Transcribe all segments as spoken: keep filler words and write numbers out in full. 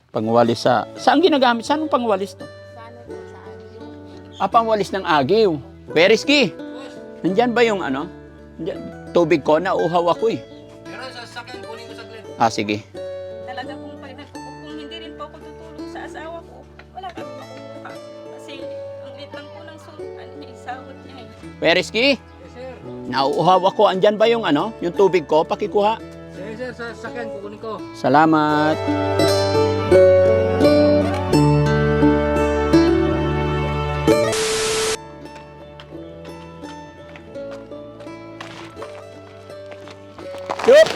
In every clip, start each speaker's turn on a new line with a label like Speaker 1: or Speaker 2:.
Speaker 1: Pangwalis sa... Saan ginagamit? Saan ang pangwalis to?
Speaker 2: Sa ano po, sa agyo.
Speaker 1: Ah, pangwalis ng agiw. Kuya Rizky, nandyan ba yung ano? Nandyan, tubig ko, nauuhaw ako eh.
Speaker 3: Meron sa sasakyan, kunin ko saglit.
Speaker 1: Ah, sige.
Speaker 2: Talaga pong pag nag- kung hindi rin po ako tutulong sa asawa ko, wala kami makukuha. Kasi ang liit lang po ng sul, ano niya, isawot niya eh.
Speaker 1: Kuya Rizky,
Speaker 3: Yes, sir.
Speaker 1: nauuhaw ako. Andyan ba yung ano? Yung tubig ko? Pakikuha.
Speaker 3: Yes, sir. Sa sasakyan, kukunin ko.
Speaker 1: Salamat. Yup!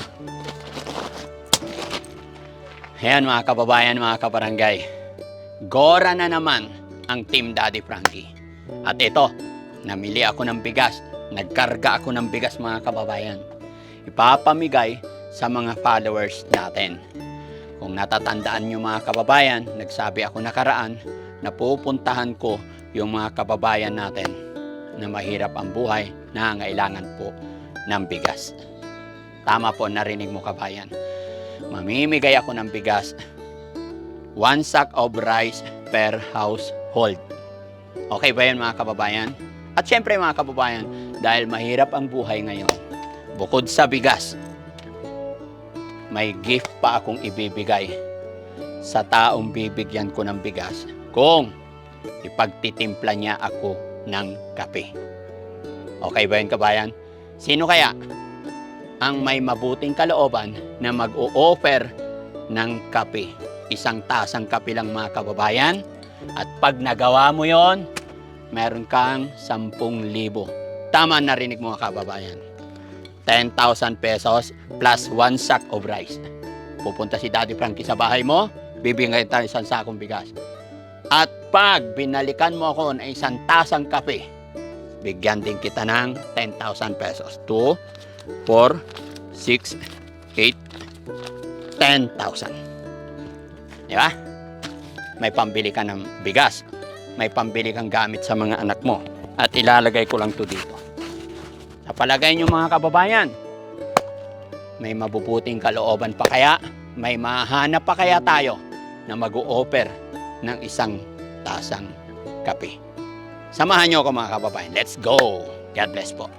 Speaker 1: Ayan mga kababayan, mga kabarangay. Gora na naman ang Team Daddy Frankie. At ito, namili ako ng bigas. Nagkarga ako ng bigas mga kababayan. Ipapamigay sa mga followers natin. Kung natatandaan nyo mga kababayan, nagsabi ako nakaraan na pupuntahan ko yung mga kababayan natin na mahirap ang buhay, nangangailangan po ng bigas. Tama po, narinig mo kabayan. Mamimigay ako ng bigas. One sack of rice per household. Okay ba yun mga kababayan? At syempre mga kababayan, dahil mahirap ang buhay ngayon, bukod sa bigas, may gift pa akong ibibigay sa taong bibigyan ko ng bigas kung ipagtitimpla niya ako ng kape. Okay ba yun kabayan? Sino kaya ang may mabuting kalooban na mag-o-offer ng kape? Isang tasang kape lang mga kababayan. At pag nagawa mo yon, meron kang sampung libo. Tama, narinig mo mga kababayan. ten thousand pesos plus one sack of rice. Pupunta si Daddy Frankie sa bahay mo, bibigyan tayo isang sakong bigas. At pag binalikan mo ako ng isang tasang kape, bigyan din kita ng ten thousand pesos. two, four, six, eight, ten thousand. Di ba? May pambili ka ng bigas. May pambili kang gamit sa mga anak mo. At ilalagay ko lang to dito. Sa palagay nyo mga kababayan, may mabubuting kalooban pa kaya? May mahanap pa kaya tayo na mag-o-offer ng isang tasang kape? Samahan nyo ako mga kababayan. Let's go! God bless po.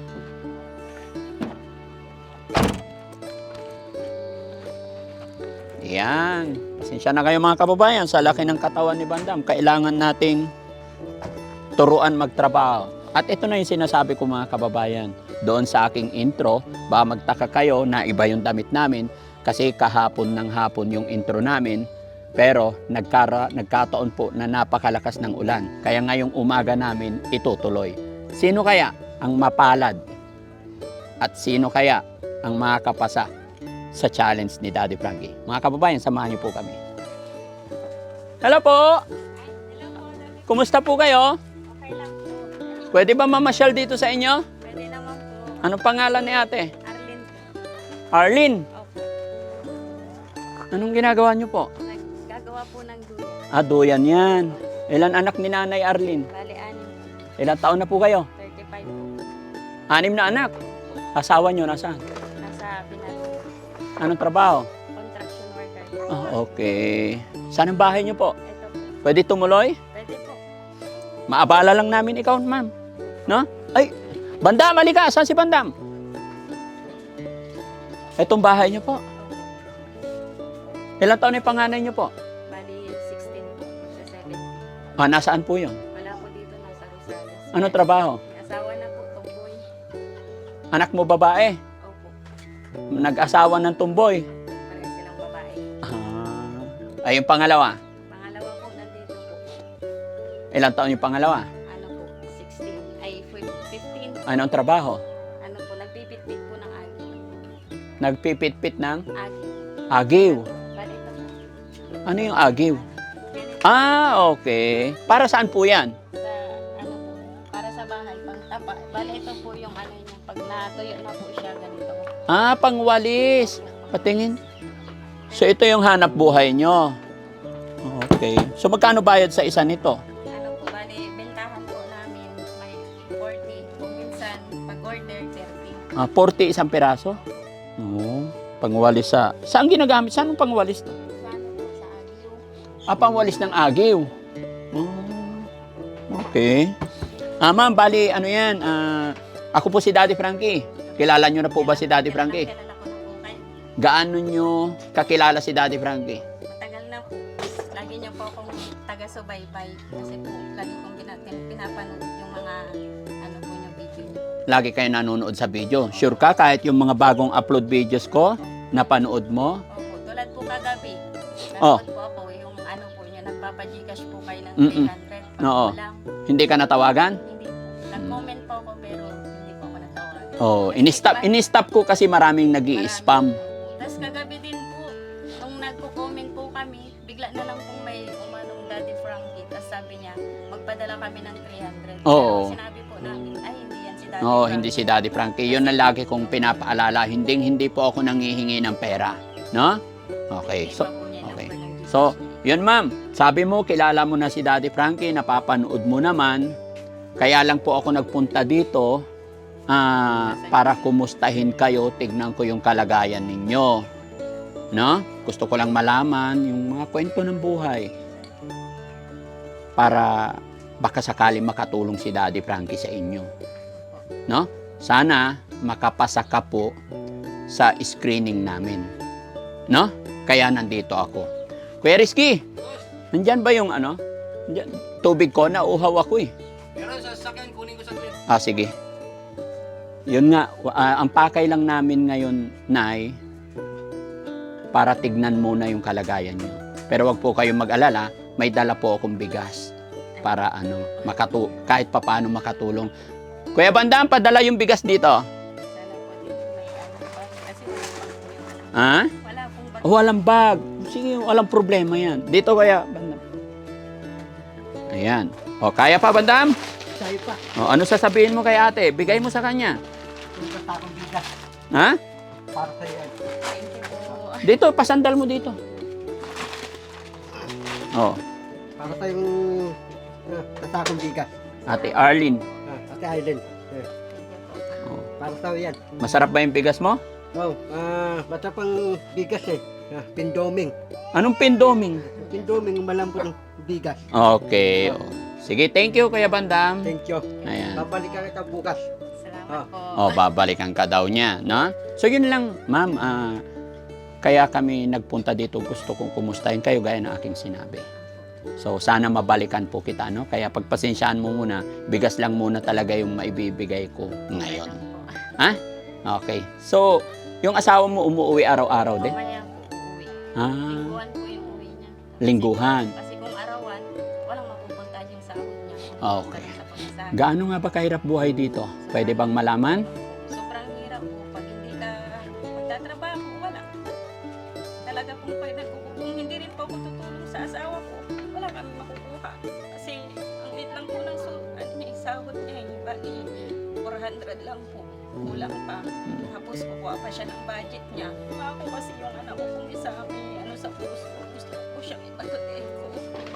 Speaker 1: Yan. Pasensya na kayo mga kababayan. Sa laki ng katawan ni Bandam, kailangan nating turuan magtrabaho. At ito na yung sinasabi ko mga kababayan. Doon sa aking intro, baka magtaka kayo na iba yung damit namin kasi kahapon ng hapon yung intro namin. Pero nagkara, nagkataon po na napakalakas ng ulan. Kaya ngayong umaga namin itutuloy. Sino kaya ang mapalad? At sino kaya ang makakapasa sa challenge ni Daddy Frankie? Mga kababayan, samahan niyo po kami. Hello po! Kumusta po kayo?
Speaker 2: Okay lang po.
Speaker 1: Pwede ba mamasyal dito sa inyo?
Speaker 2: Pwede naman po.
Speaker 1: Anong pangalan ni ate?
Speaker 2: Arlene po.
Speaker 1: Arlene.
Speaker 2: Opo.
Speaker 1: Anong ginagawa niyo po?
Speaker 2: Naggagawa po ng dulo.
Speaker 1: Ah, duyan yan. Ilan anak ni Nanay Arlene?
Speaker 2: Bali, anim.
Speaker 1: Ilan taon na po kayo?
Speaker 2: thirty-five po.
Speaker 1: Anim na anak. Asawa niyo nasaan?
Speaker 2: Nasa Pinas.
Speaker 1: Anong trabaho?
Speaker 2: Construction worker.
Speaker 1: Ah, okay. Saan ang bahay niyo po?
Speaker 2: Ito po.
Speaker 1: Pwede tumuloy?
Speaker 2: Pwede po.
Speaker 1: Maabala lang namin ikaw, ma'am. No? Ay, Bandam, halika. Saan si Bandam? Itong bahay niyo po. Ilang taon na yung panganay niyo po?
Speaker 2: Bali, sixteen po. Sa seventeen.
Speaker 1: Ah, nasaan po yun?
Speaker 2: Wala po dito, nasa Rosales.
Speaker 1: Ano trabaho?
Speaker 2: May asawa na po, tomboy.
Speaker 1: Anak mo babae?
Speaker 2: Opo.
Speaker 1: Nag-asawa ng tumboy?
Speaker 2: Pareho silang babae.
Speaker 1: Ah. Ay, yung pangalawa?
Speaker 2: Pangalawa po, nandito po.
Speaker 1: Ilang taon yung pangalawa?
Speaker 2: Ano po, sixteen. Ay, fifteen.
Speaker 1: Anong trabaho?
Speaker 2: Ano po, nagpipit-pit po ng agi.
Speaker 1: Nagpipit-pit ng
Speaker 2: Agi.
Speaker 1: agiw.
Speaker 2: Bali, ito po.
Speaker 1: Ano yung agiw?
Speaker 2: Ganito.
Speaker 1: Ah, okay. Para saan po yan?
Speaker 2: Sa, ano po, para sa bahay, pang tapa. Bali, ito po yung ano niya. Pag natuyo na po siya, ganito.
Speaker 1: Ah, pangwalis. Patingin. So, ito yung hanap buhay nyo. Okay. So, magkano bayad sa isa nito?
Speaker 2: Ano po, bali, bentahan po namin may forty. Kung minsan, pag-order, thirty.
Speaker 1: Ah, forty isang piraso? Oo. Pangwalis sa... Saan ginagamit? Saan ang pangwalis to?
Speaker 2: Sa ano po, sa
Speaker 1: Ah, pangwalis ng agiw. Oh, okay. Ah, ma'am, bali, ano yan? Ah, ako po si Daddy Frankie. Kilala nyo na po ba si Daddy Frankie?
Speaker 2: Kilala ko na po kayo.
Speaker 1: Gaano nyo kakilala si Daddy Frankie?
Speaker 2: Matagal na po. Lagi niyo po akong taga-subaybay. Kasi po, lagi kong pina- pinapanood yung mga ano po yung video.
Speaker 1: Lagi kayo nanonood sa video. Sure ka kahit yung mga bagong upload videos ko, napanood mo?
Speaker 2: Opo, tulad po kagabi.
Speaker 1: Oh.
Speaker 2: Nanood po ako yung ano po niya, nagpapagcash po kayo ng
Speaker 1: Mm-mm.
Speaker 2: three hundred. Pag
Speaker 1: Oo.
Speaker 2: lang,
Speaker 1: Hindi ka natawagan?
Speaker 2: hindi po. Nag-comment po ako pero hindi po ako natawagan.
Speaker 1: Oh, ini-stop, ini-stop ko kasi maraming nag-i-spam.
Speaker 2: Tapos kagabi din po, nung nagko-comment po kami, bigla na lang pong may umanong Daddy Frankie. Tapos sabi niya, magpadala kami ng three hundred.
Speaker 1: Oo.
Speaker 2: Pero sinabi po namin, ay hindi yan si Daddy
Speaker 1: No,
Speaker 2: Frankie.
Speaker 1: hindi si Daddy Frankie. Yun ang lagi kong pinapaalala. Hindi, hindi po ako nangihingi ng pera. No? Okay.
Speaker 2: Hindi
Speaker 1: So,
Speaker 2: pa po niya
Speaker 1: okay.
Speaker 2: number ng G C.
Speaker 1: so, yun ma'am. Sabi mo, kilala mo na si Daddy Frankie, napapanood mo naman. Kaya lang po ako nagpunta dito ah, para kumustahin kayo, tignan ko yung kalagayan ninyo. No? Gusto ko lang malaman yung mga kwento ng buhay. Para baka sakali makatulong si Daddy Frankie sa inyo. No? Sana makapasa ka po sa screening namin. No? Kaya nandito ako. Kuya Rizky, nandyan ba yung ano? Nandyan, tubig ko, nauuhaw ako eh.
Speaker 3: Meron sa sasakyan, kunin ko saglit.
Speaker 1: Ah, sige. Yun nga, ah, ang pakay lang namin ngayon, Nay, para tignan muna yung kalagayan nyo. Pero wag po kayong mag-alala, may dala po akong bigas para ano, makatu kahit papaano makatulong. Kuya Bandam, padala yung bigas dito.
Speaker 2: Sana po din may ano pa. Kasi wala po yung ano.
Speaker 1: Ha?
Speaker 2: Wala pong bag.
Speaker 1: Oh, walang bag. Sige, walang problema yan. Dito kaya, Bandam. Ayan. O, kaya pa, Bandam?
Speaker 3: Sayo pa.
Speaker 1: O, ano sasabihin mo kay ate? Bigay mo sa kanya.
Speaker 3: Kung sa takong bigas.
Speaker 1: Ha?
Speaker 3: Para sa yan.
Speaker 2: Thank you po.
Speaker 1: Dito, pasandal mo dito. Oh,
Speaker 3: Para sa yung uh, sa takong bigas.
Speaker 1: Ate Arlene.
Speaker 3: Ah, Ate Island. Eh,
Speaker 1: Oh.
Speaker 3: para sa yan.
Speaker 1: Masarap ba yung bigas mo?
Speaker 3: Oh, ah, bata pang bigas eh. Ah, pindoming.
Speaker 1: Anong pindoming?
Speaker 3: Pindoming, malambot ng bigas.
Speaker 1: Okay. Oh. Sige, thank you, Kuya Bandam.
Speaker 3: Thank you.
Speaker 1: Ayan.
Speaker 3: Babalikan kita bukas.
Speaker 2: Salamat po.
Speaker 1: Oh, babalikan ka daw niya, no? So, yun lang, ma'am. ah, kaya kami nagpunta dito. Gusto kong kumustahin kayo gaya ng aking sinabi. So, sana mabalikan po kita, no? Kaya pagpasensyaan mo muna, bigas lang muna talaga yung maibibigay ko ngayon. Ha? Okay. So, yung asawa mo umuwi araw-araw din?
Speaker 2: Mamaya po uwi.
Speaker 1: Ah,
Speaker 2: Lingguhan po yung uwi niya. Kasi-
Speaker 1: lingguhan.
Speaker 2: Kasi kung arawan, walang mapupunta yung sahod niya.
Speaker 1: Okay.
Speaker 2: Sa pagkasabi.
Speaker 1: Gaano nga ba kahirap buhay dito? Pwede bang malaman?
Speaker 2: Sobrang hirap po. Pag hindi ka magtatrabaho, wala. Talaga kung, pag, kung hindi rin po ako tutulong sa asawa ko, wala kami makukuha. Kasi ang lit lang po ng so, ano niya, isahod niya, eh, bali four hundred lang po. Kulang pa. Tapos kukuha pa siya ng budget niya. Ako kasi yung anak ko kung isa may ano sa puso, gusto ko siyang ipatutin ko.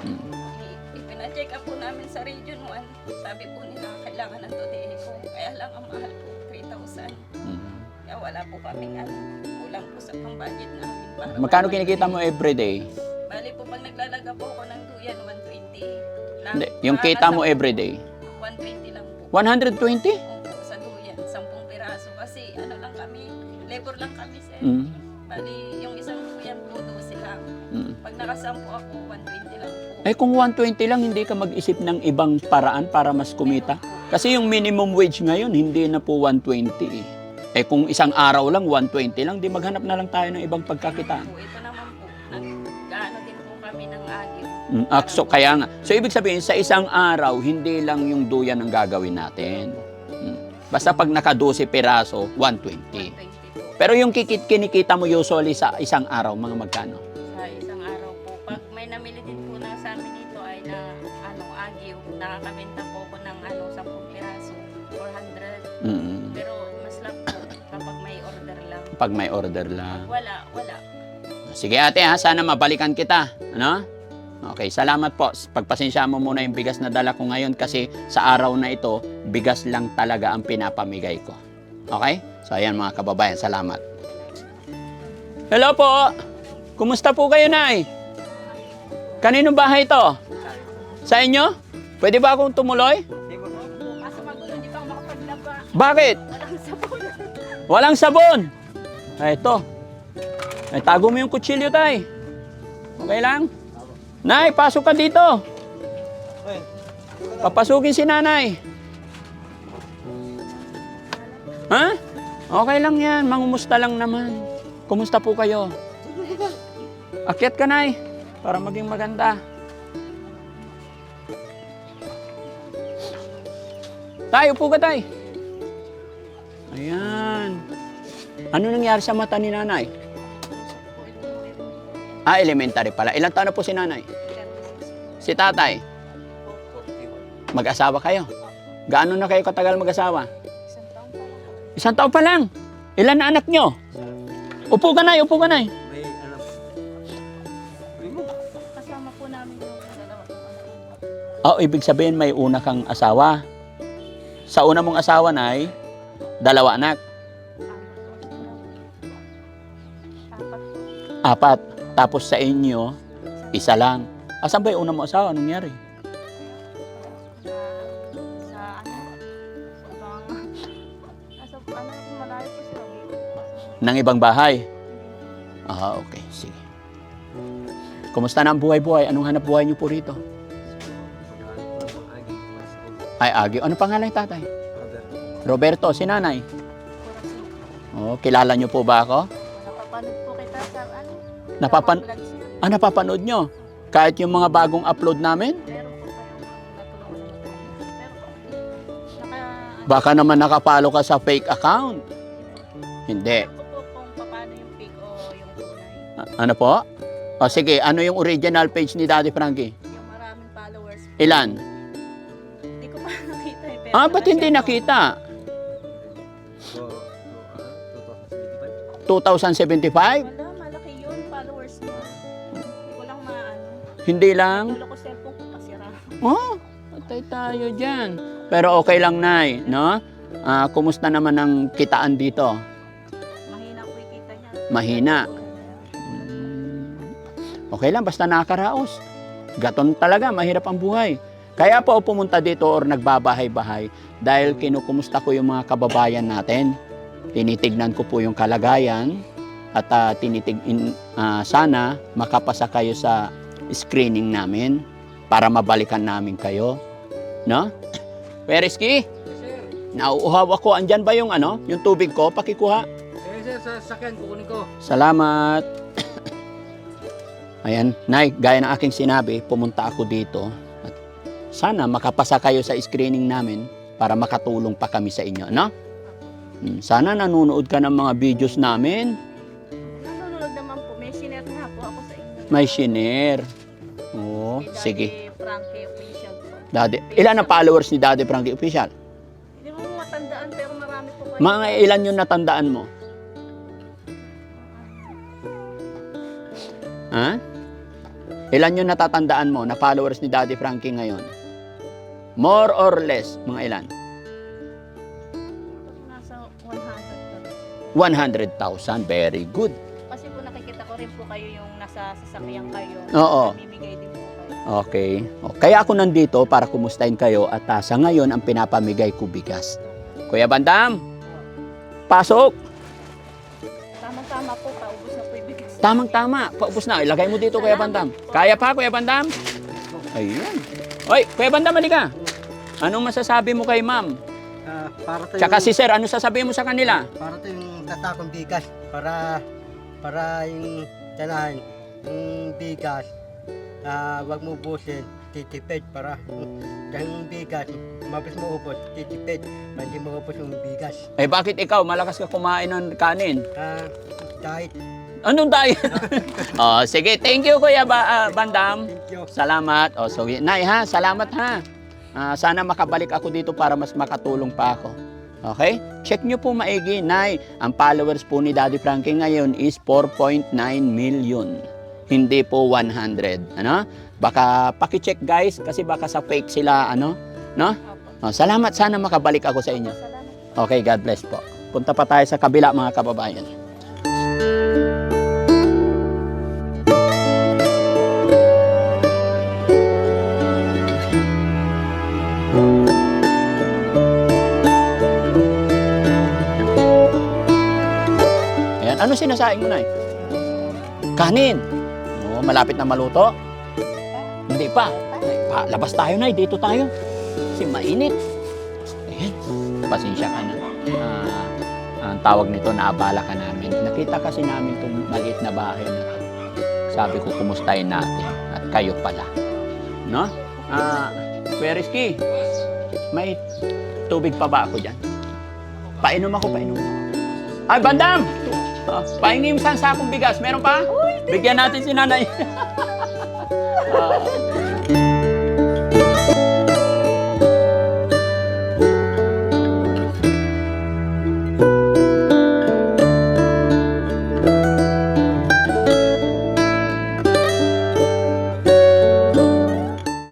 Speaker 2: I- Ipina-check up po namin sa Region one. Sabi po nila kailangan ng tudihin ko. Kaya lang ang mahal po, three thousand. Kaya wala po kaming ano, kulang po sa pang-budget namin. Para
Speaker 1: Magkano
Speaker 2: wala-
Speaker 1: kinikita mo everyday?
Speaker 2: Bali po pag naglalaga po ako ng duyan, one twenty. Lang.
Speaker 1: Hindi, yung kita mo everyday?
Speaker 2: one twenty lang po.
Speaker 1: one hundred twenty?
Speaker 2: Opo, sa duyan, sampung piraso. Kasi ano lang kami, labor lang kami sir.
Speaker 1: Mm.
Speaker 2: Bali, yung isang duyan po, dose lang.
Speaker 1: Mm.
Speaker 2: Pag nakasampu ako, one twenty lang po.
Speaker 1: Eh kung one twenty lang, hindi ka mag-isip ng ibang paraan para mas kumita? Kasi yung minimum wage ngayon, hindi na po one twenty eh. Eh kung isang araw lang, one twenty lang, di maghanap na lang tayo ng ibang pagkakitaan.
Speaker 2: Po, ito naman po, nag-gaano din po kami ng agyo.
Speaker 1: Mm, ah, so, kaya nga. So, ibig sabihin, sa isang araw, hindi lang yung duyan ang gagawin natin. Mm. Basta pag naka-twelve piraso, one twenty.
Speaker 2: one twenty po.
Speaker 1: Pero yung kikit kinikita mo usually sa isang araw, mga magkano?
Speaker 2: Sa isang araw po. Pag may namili din po na sa amin dito ay na ano, agyo, nakakabenta po ako ng ano, sampung piraso, four hundred.
Speaker 1: Mm.
Speaker 2: Pero mas lang po kapag may order lang.
Speaker 1: Pag may order lang.
Speaker 2: Wala, wala.
Speaker 1: Sige ate ha, sana mabalikan kita. Ano? Okay, salamat po. Pagpasensya mo muna yung bigas na dala ko ngayon kasi sa araw na ito, bigas lang talaga ang pinapamigay ko. Okay? So ayan mga kababayan, salamat. Hello po! Kumusta po kayo, Nay? Kaninong bahay ito? Sa inyo? Pwede ba akong tumuloy?
Speaker 2: Kaso magulo, hindi pa ako makapaglaba.
Speaker 1: Bakit?
Speaker 2: Walang sabon.
Speaker 1: Walang sabon. Ay, ito. Ay, tago mo yung kutsilyo, tay. Okay lang? Nay, pasok ka dito. Papasukin si nanay. Ha? Okay lang yan. Mangumusta lang naman. Kumusta po kayo? Akyat ka, nay. Para maging maganda. Tay, upo ka, tay. Ayan. Ano nangyari sa mata ni nanay? Ah, elementary pala. Ilang taon na po si nanay? Si tatay? Mag-asawa kayo? Gaano na kayo katagal mag-asawa? Isang taon pa lang. Ilan na anak nyo? Upo ka, nay. Upo ka, nay.
Speaker 3: May alam.
Speaker 2: Kasama po namin yung dalawa.
Speaker 1: Oh, ibig sabihin may una kang asawa. Sa una mong asawa, nay, dalawa anak.
Speaker 2: Apat.
Speaker 1: Apat. Tapos sa inyo, isa lang. Asan ba yung una mong asawa? Anong nangyari?
Speaker 2: Sa ano? Sa ibang... Nasa ano, malayo po sila.
Speaker 1: Nang ibang bahay? Ah, okay. Sige. Kumusta na ang buhay-buhay? Anong hanap buhay niyo po rito? Ay, Agyo. Ano pangalan ng tatay? Roberto, si nanay. Oh, kilala niyo po ba ako?
Speaker 2: Napapanood po kita sa ano?
Speaker 1: Napapan
Speaker 2: Vlog siya.
Speaker 1: ah, napapanood nyo? Kahit yung mga bagong upload namin?
Speaker 2: Meron po kayong natulungan na Pero naka...
Speaker 1: Baka naman nakapalo ka sa fake account. Hindi.
Speaker 2: Alam ko po kung paano yung pig o yung tunay.
Speaker 1: A- ano po? O sige, ano yung original page ni Daddy Frankie?
Speaker 2: Yung maraming followers.
Speaker 1: Ilan?
Speaker 2: Hindi ko pa nakita eh. Pero
Speaker 1: Ah, ba't hindi
Speaker 2: naka-share po.
Speaker 1: nakita? two thousand seventy-five?
Speaker 2: Wala, malaki yun. Followers mo. Hindi ko lang maano.
Speaker 1: Hindi lang?
Speaker 2: Dulo ko cellphone ko pasira.
Speaker 1: Oh, patay tayo dyan. Pero okay lang, Nay, no? Ah, kumusta naman ang kitaan dito?
Speaker 2: Mahina po yung kita niya.
Speaker 1: Mahina. Okay lang, basta nakakaraos. Gaton talaga, mahirap ang buhay. Kaya po ako pumunta dito or nagbabahay-bahay dahil kinukumusta ko yung mga kababayan natin. Tinitignan ko po yung kalagayan at ah, tinitig in, ah, sana makapasa kayo sa screening namin para mabalikan namin kayo. No? Pereski, nauuhaw ako. Andyan ba yung ano, yung tubig ko? Pakikuha.
Speaker 3: Eh, sir, sa sakyan, kukunin ko.
Speaker 1: Salamat. Ayan, Nay, gaya ng aking sinabi, pumunta ako dito. At sana makapasa kayo sa screening namin para makatulong pa kami sa inyo, no? Hmm, Sana nanonood ka ng mga videos namin.
Speaker 2: Nanonood naman po. May sinare nga po ako sa inyo.
Speaker 1: May shinare. Oo,
Speaker 2: Kay Daddy
Speaker 1: sige.
Speaker 2: Frankie official po.
Speaker 1: Daddy, ilan ang followers ni Daddy Frankie Official?
Speaker 2: Hindi mo matandaan pero marami po kayo.
Speaker 1: Mga ilan yung natandaan mo? Ha? Ilan yung natatandaan mo na followers ni Daddy Frankie ngayon? More or less, mga ilan?
Speaker 2: Nasa one hundred po.
Speaker 1: one hundred thousand. Very good.
Speaker 2: Kasi po nakikita ko rin po kayo yung nasa sasakyan kayo.
Speaker 1: Oo.
Speaker 2: Namimigay din po kayo.
Speaker 1: Okay. O, kaya ako nandito para kumustahin kayo at ah, sa ngayon ang pinapamigay ko bigas. Kuya Bandam, pasok.
Speaker 2: Tama-tama po, paubos na po yung bigas.
Speaker 1: Tamang-tama. Paubos na. Ilagay mo dito, Kuya Bandam. Kaya pa, Kuya Bandam? Ayun. Oy, Kuya Bandam, halika. Anong masasabi mo kay ma'am?
Speaker 3: Ah, para to
Speaker 1: Tsaka
Speaker 3: yung,
Speaker 1: si sir, ano sasabihin mo sa kanila?
Speaker 3: para to yung tatakong bigas. Para, para yung tanahan, yung bigas, ah, wag mo ubusin, titipid para yung bigas, mabilis mo ubos, titipid, hindi mo ubos yung bigas.
Speaker 1: Eh, bakit ikaw? Malakas ka kumain ng kanin.
Speaker 3: Ah, diet.
Speaker 1: Anong diet? oh, sige, thank you, Kuya ba, ah, Bandam.
Speaker 3: Thank you.
Speaker 1: Salamat. O, so, Nay, ha? Salamat, ha? Ah, sana makabalik ako dito para mas makatulong pa ako. Okay? Check nyo po maigi, Nay. Ang followers po ni Daddy Frankie ngayon is four point nine million. Hindi po one hundred. Ano? Baka paki-check, guys, kasi baka sa fake sila, ano? No?
Speaker 2: Opo.
Speaker 1: O, salamat. Sana makabalik ako sa inyo.
Speaker 2: Salamat.
Speaker 1: Okay, God bless po. Punta pa tayo sa kabila, mga kababayan. sinasaing mo, Nay? Kanin. Oo, malapit na maluto. Hindi pa. Ay, pa. Labas tayo, Nay. Dito tayo. Kasi mainit. Ayan. Pasensya ka na. Ah, ang tawag nito, naabala ka namin. Nakita kasi namin itong maliit na bahay na to. Sabi ko, kumustahin natin. At kayo pala. No? Ah, Kuya Rizky, may tubig pa ba ako dyan? Painom ako, painom. Ay, Bandam! Ah, pahingi yung isang sakong bigas. Meron pa? Bigyan natin si nanay. Ah,